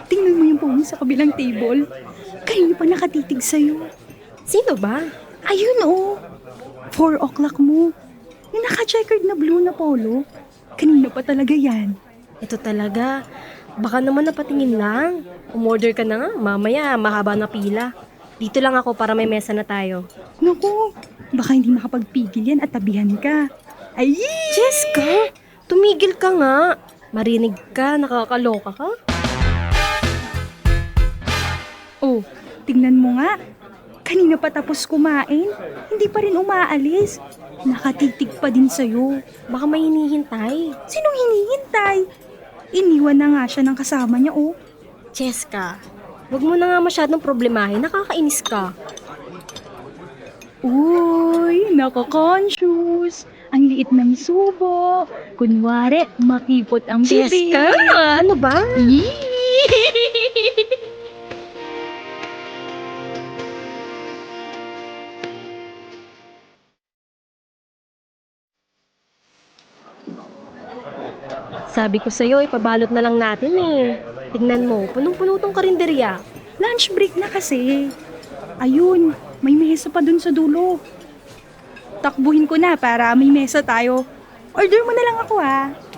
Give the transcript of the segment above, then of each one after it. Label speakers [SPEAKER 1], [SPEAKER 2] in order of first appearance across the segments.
[SPEAKER 1] tingnan mo yung pony sa kabilang table. Kanina pa nakatitig sa'yo.
[SPEAKER 2] Sino ba?
[SPEAKER 1] Ayun oh, 4 o'clock mo. Yung naka-checkered na blue na polo. Kanina pa talaga yan.
[SPEAKER 2] Ito talaga. Baka naman napatingin lang. Umorder ka na nga. Mamaya, mahaba na pila. Dito lang ako para may mesa na tayo.
[SPEAKER 1] Naku, baka hindi makapagpigil yan at tabihan ka. Ay!
[SPEAKER 2] Jessica, tumigil ka nga. Marinig ka, nakakaloka ka.
[SPEAKER 1] Oh, tingnan mo nga. Kanina pa tapos kumain. Hindi pa rin umaalis. Nakatitig pa din sa'yo.
[SPEAKER 2] Baka may hinihintay.
[SPEAKER 1] Sinong hinihintay? Iniwan na nga siya ng kasama niya, oh.
[SPEAKER 2] Jessica, wag mo na nga masyadong problemahin. Nakakainis ka.
[SPEAKER 1] Uy, nako-conscious. Ang liit ng subo. Kunwari, makipot ang bibig.
[SPEAKER 2] Jessica, ano ba? Sabi ko sa'yo, ipabalot na lang natin eh. Tignan mo, punong-puno tong karinderya.
[SPEAKER 1] Lunch break na kasi. Ayun, may mesa pa dun sa dulo. Takbuhin ko na para may mesa tayo. Order mo na lang ako, ha.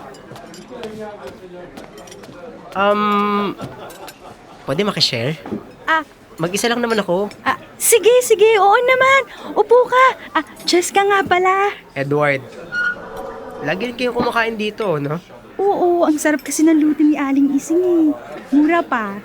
[SPEAKER 3] Pwede makishare?
[SPEAKER 1] Ah,
[SPEAKER 3] Mag-isa lang naman ako.
[SPEAKER 1] sige, oo naman. Upo ka. Jessica nga pala.
[SPEAKER 3] Edward. Lagi rin kayo kumakain dito, no?
[SPEAKER 1] Oo, ang sarap kasi ng luto ni Aling Ising eh. Mura pa.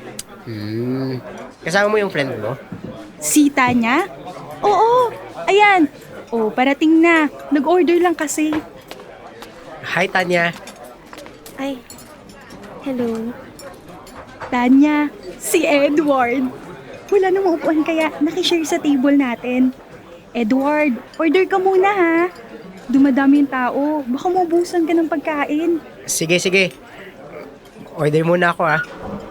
[SPEAKER 3] Kasama mo yung friend mo?
[SPEAKER 1] Sita niya? Oo, ayan. Oh, parating na. Nag-order lang kasi.
[SPEAKER 3] Hi, Tanya.
[SPEAKER 2] Ay, hello.
[SPEAKER 1] Tanya, si Edward. Wala nang maupuan kaya nakishare sa table natin. Edward, order ka muna ha. Dumadami yung tao. Baka maubusan ka ng pagkain.
[SPEAKER 3] Sige. Order muna ako, ah.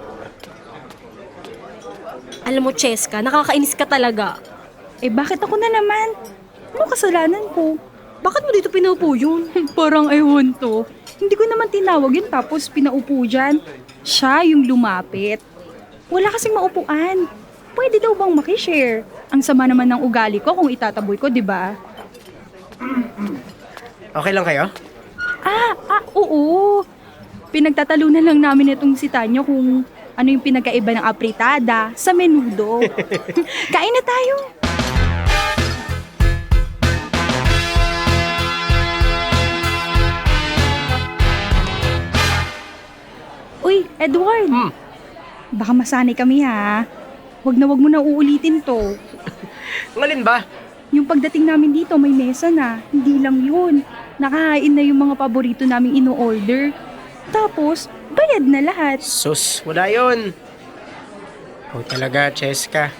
[SPEAKER 2] Alam mo, Cheska, nakakainis ka talaga.
[SPEAKER 1] Bakit ako na naman? Ano kasalanan ko?
[SPEAKER 2] Bakit mo dito pinaupo yun?
[SPEAKER 1] Parang ewan to. Hindi ko naman tinawag yun tapos pinaupo dyan. Siya yung lumapit. Wala kasing maupuan. Pwede daw bang makishare? Ang sama naman ng ugali ko kung itataboy ko, di ba?
[SPEAKER 3] Okay lang kayo?
[SPEAKER 1] Oo. Pinagtatalunan lang namin itong si Tanya kung ano yung pinagkaiba ng apritada sa menudo. Kain na tayo. Uy, Edward. Baka masanay kami ha. Wag mo na uulitin to.
[SPEAKER 3] Ngalin ba?
[SPEAKER 1] Yung pagdating namin dito, may mesa na. Hindi lang yun. Nakahain na yung mga paborito naming ino-order. Tapos, bayad na lahat.
[SPEAKER 3] Sus, wala yun. Oh, talaga, Cheska.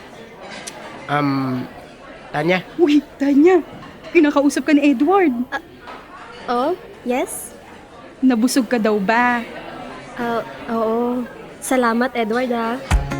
[SPEAKER 3] Tanya,
[SPEAKER 1] Uy, Tanya. Kinakausap ka ni Edward.
[SPEAKER 2] Oh, yes?
[SPEAKER 1] Nabusog ka daw ba?
[SPEAKER 2] Oo. Salamat, Edward, ha.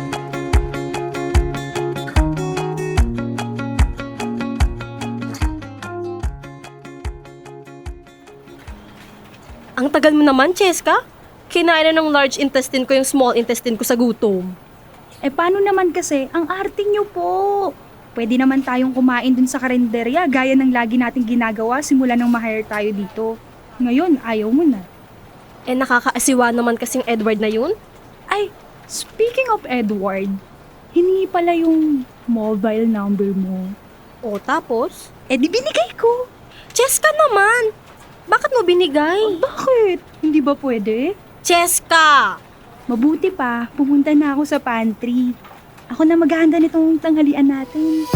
[SPEAKER 2] Ang tagal mo naman, Cheska. Kinain na ng large intestine ko yung small intestine ko sa gutom.
[SPEAKER 1] Paano naman kasi, ang arte nyo po. Pwede naman tayong kumain dun sa karinderya gaya ng lagi nating ginagawa simula nang ma-hire tayo dito. Ngayon, ayaw mo na.
[SPEAKER 2] Nakakaasiwa naman kasing Edward na yun.
[SPEAKER 1] Ay, speaking of Edward, hiningi pala yung mobile number mo.
[SPEAKER 2] O, tapos?
[SPEAKER 1] Di binigay ko.
[SPEAKER 2] Cheska naman! Bakit mo binigay?
[SPEAKER 1] Bakit? Hindi ba pwede?
[SPEAKER 2] Cheska!
[SPEAKER 1] Mabuti pa, pumunta na ako sa pantry. Ako na maghahanda nitong tanghalian natin.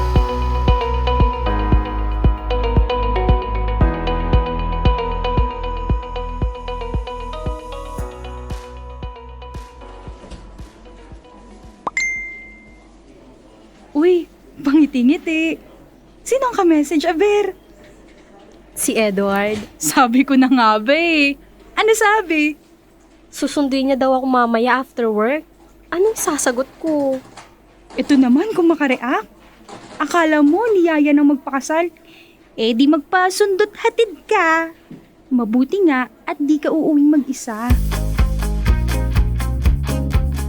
[SPEAKER 1] Uy, pangiti-ngiti. Sino ang ka-message, Aber?
[SPEAKER 2] Si Edward.
[SPEAKER 1] Sabi ko na nga ba eh. Ano sabi?
[SPEAKER 2] Susundin niya daw ako mamaya after work. Anong sasagot ko?
[SPEAKER 1] Ito naman kung makareact. Akala mo niyaya ng magpakasal. Di magpasundot hatid ka. Mabuti nga at di ka uuwing mag-isa.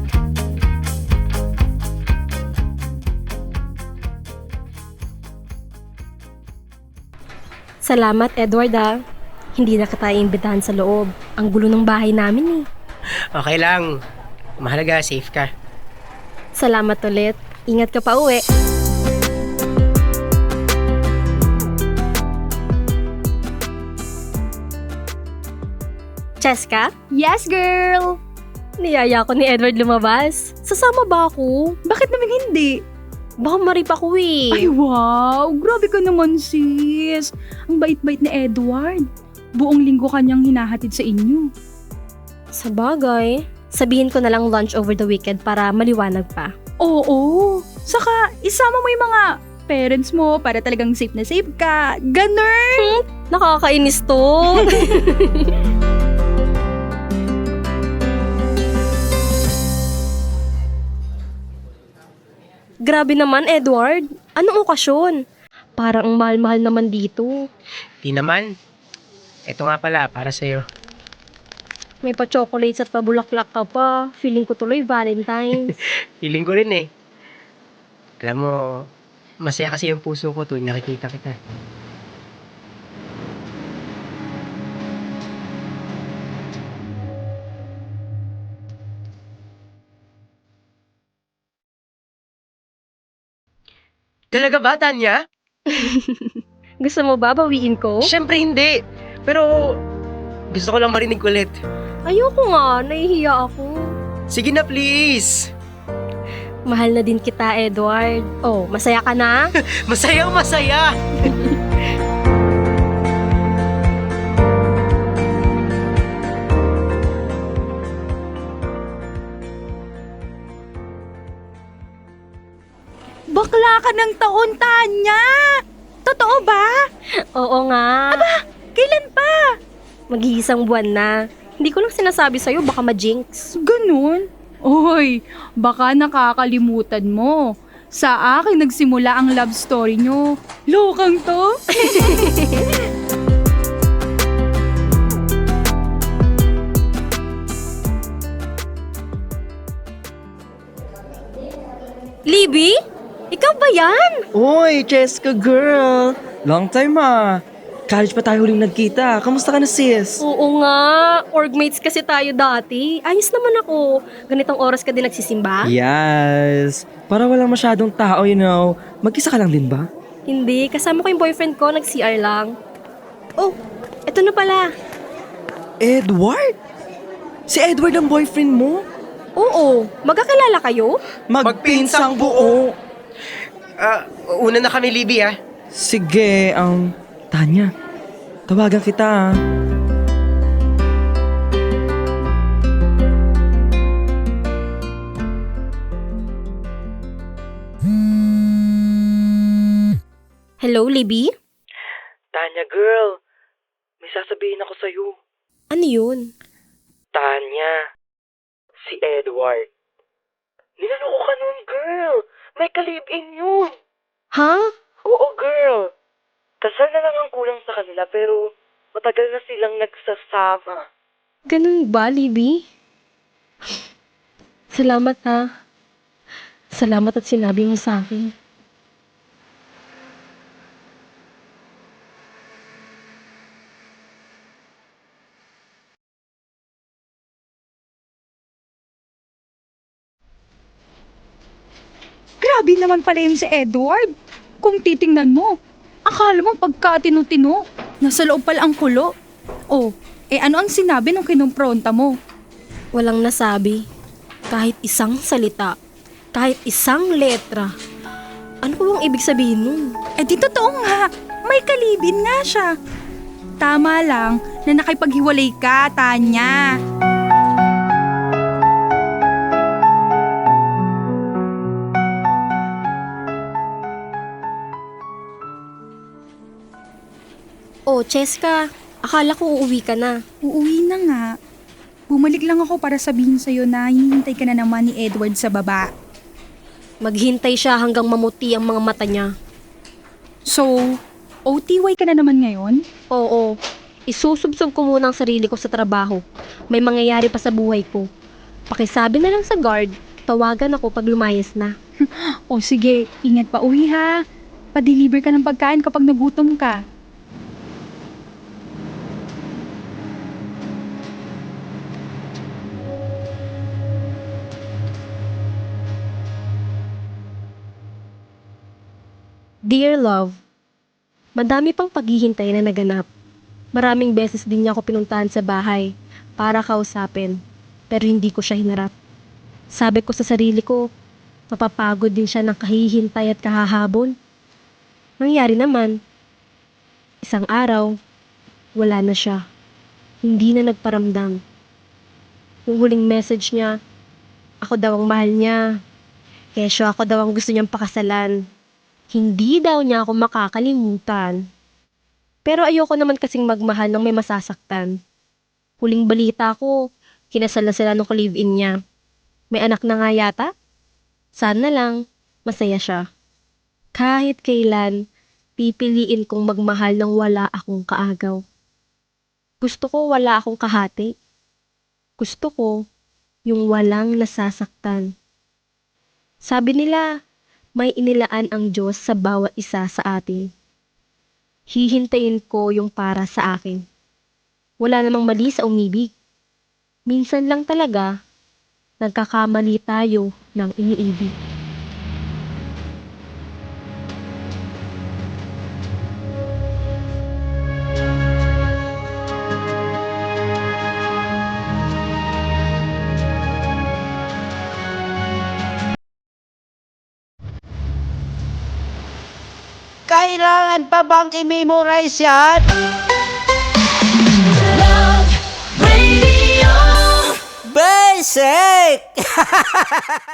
[SPEAKER 2] Salamat, Edward ah. Hindi na kita iimbitahan sa loob. Ang gulo ng bahay namin eh.
[SPEAKER 3] Okay lang. Mahalaga, safe ka.
[SPEAKER 2] Salamat ulit. Ingat ka pa uwi. Cheska,
[SPEAKER 1] Yes, girl!
[SPEAKER 2] niyaya ko ni Edward lumabas. Sasama ba ako?
[SPEAKER 1] Bakit naman hindi?
[SPEAKER 2] Baka marip ako eh.
[SPEAKER 1] Ay, wow! Grabe ka naman, sis. Ang bait-bait ni Edward. Buong linggo kanyang hinahatid sa inyo.
[SPEAKER 2] Sa bagay, sabihin ko na lang lunch over the weekend para maliwanag pa.
[SPEAKER 1] Oo. Saka, isama mo yung mga parents mo para talagang safe na safe ka. Ganun!
[SPEAKER 2] Nakakainis to. Grabe naman, Edward. Anong okasyon? Parang ang mahal-mahal naman dito.
[SPEAKER 3] Di naman. Ito nga pala, para sa'yo.
[SPEAKER 2] May pa-chocolates at pabulaklak ka pa. Feeling ko tuloy Valentine's.
[SPEAKER 3] Feeling ko rin eh. Alam mo, masaya kasi yung puso ko tuwing nakikita kita. Talaga ba, Tanya?
[SPEAKER 2] Gusto mo ba bawiin ko?
[SPEAKER 3] Siyempre hindi. Pero gusto ko lang marinig ulit.
[SPEAKER 2] Ayoko nga, nahihiya ako.
[SPEAKER 3] Sige na, please.
[SPEAKER 2] Mahal na din kita, Edward. Oh, masaya ka na?
[SPEAKER 3] Masayang masaya.
[SPEAKER 1] Bakla ka ng taon, Tanya! Totoo ba?
[SPEAKER 2] Oo nga.
[SPEAKER 1] Kailan pa?
[SPEAKER 2] Mag-iisang buwan na. Hindi ko lang sinasabi sa'yo, baka ma-jinx.
[SPEAKER 1] Ganun? Oy, baka nakakalimutan mo. Sa akin nagsimula ang love story nyo. Lokang to?
[SPEAKER 2] Libby? Ikaw ba yan?
[SPEAKER 4] Oy, Cheska girl! Long time College pa tayo huling nagkita. Kamusta ka na, sis?
[SPEAKER 2] Oo nga. Orgmates kasi tayo dati. Ayos naman ako. Ganitong oras ka din nagsisimba?
[SPEAKER 4] Yes! Para walang masyadong tao, Mag-isa ka lang din ba?
[SPEAKER 2] Hindi. Kasama ko yung boyfriend ko. Nag-CR lang. Oh, eto na pala.
[SPEAKER 4] Edward? Si Edward ang boyfriend mo?
[SPEAKER 2] Oo. Magkakalala kayo?
[SPEAKER 4] Magpinsang buo!
[SPEAKER 3] Una na kami, Libby, ah.
[SPEAKER 4] Sige, Tanya, tawagan kita.
[SPEAKER 2] Hello, Libby?
[SPEAKER 4] Tanya girl, may sasabihin ako sa'yo.
[SPEAKER 2] Ano yun?
[SPEAKER 4] Tanya, si Edward. Niloloko ka nun, girl. May kalib-in yun.
[SPEAKER 2] Ha?
[SPEAKER 4] Oo, girl. Kasal na lang ang kulang sa kanila pero matagal na silang nagsasama.
[SPEAKER 2] Ganun ba, Libby? Salamat ha. Salamat at sinabi mo sa akin.
[SPEAKER 1] Grabe naman pala yun si Edward. Kung titingnan mo, akala mo pagka tinu-tino, nasa loob pala ang kulo. Oh, ano ang sinabi nung kinumpronta mo?
[SPEAKER 2] Walang nasabi. Kahit isang salita. Kahit isang letra. Ano po bang ibig sabihin nun?
[SPEAKER 1] Di totoo nga, may kalibin nga siya. Tama lang na nakipaghiwalay ka, Tanya.
[SPEAKER 2] Oh, Cheska. Akala ko uuwi ka na.
[SPEAKER 1] Uuwi na nga. Bumalik lang ako para sabihin sa'yo na hinihintay ka na naman ni Edward sa baba.
[SPEAKER 2] Maghintay siya hanggang mamuti ang mga mata niya.
[SPEAKER 1] So, OTY ka na naman ngayon?
[SPEAKER 2] Oo. Isusubsob ko muna ang sarili ko sa trabaho. May mangyayari pa sa buhay ko. Pakisabi na lang sa guard. Tawagan ako pag lumayas na.
[SPEAKER 1] O sige, ingat pa uwi ha. Pa-deliver ka ng pagkain kapag nagutom ka.
[SPEAKER 2] Dear Love, madami pang paghihintay na naganap. Maraming beses din niya ako pinuntahan sa bahay para kausapin, pero hindi ko siya hinarap. Sabi ko sa sarili ko, mapapagod din siya ng kahihintay at kahahabol. Nangyari naman, isang araw, wala na siya. Hindi na nagparamdam. Yung huling message niya, ako daw ang mahal niya. Kesyo ako daw ang gusto niyang pakasalan. Hindi daw niya ako makakalimutan. Pero ayoko naman kasing magmahal ng may masasaktan. Huling balita ko, kinasal na sila nung ka-live-in niya. May anak na nga yata. Sana lang, masaya siya. Kahit kailan, pipiliin kong magmahal ng wala akong kaagaw. Gusto ko wala akong kahati. Gusto ko yung walang nasasaktan. Sabi nila, may inilaan ang Diyos sa bawat isa sa atin. Hihintayin ko yung para sa akin. Wala namang mali sa umibig. Minsan lang talaga, nagkakamali tayo ng iniibig.
[SPEAKER 5] Kailangan pa bang i-memorize yan? Basic!